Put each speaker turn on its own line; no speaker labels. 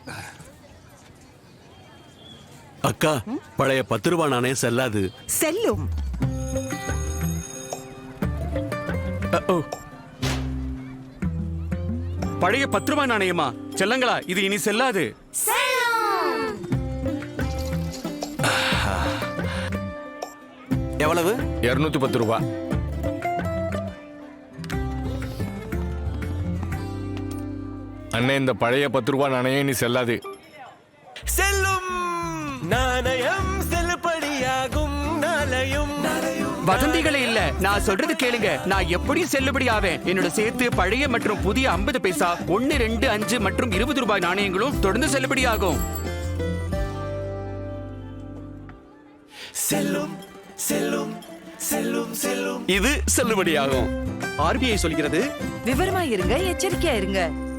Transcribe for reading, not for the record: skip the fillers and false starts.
அக்கா, பழைய 10 ரூபாய் நாணயம் செல்லாது.
செல்லும்.
பழைய 10 ரூபாய் நாணயமா? செல்லங்களா, இது இனி செல்லாது.
எவ்வளவு?
210 ரூபாய். அண்ணே, இந்த பழைய 10 ரூபாய் நாணயம் இனி செல்லாது.
செல்லும் நாணயம் செல்லுபடியாகும். நாளையும்
வதந்திகளே இல்ல, நான் சொல்றது கேளுங்க. நான் எப்படியும் செல்லுபடி ஆவேன். என்னோட சேர்த்து பழைய மற்றும் புதிய 50 பைசா, 1, 2, 5 மற்றும் 20 ரூபாய் நாணயங்களும் தொடர்ந்து செல்லுபடி ஆகும்.
செல்லும் செல்லும் செல்லும் செல்லும்.
இது செல்லுபடியாகும்.
ஆர்பிஐ சொல்கிறது,
விவரமா இருங்க, எச்சரிக்கையா இருங்க.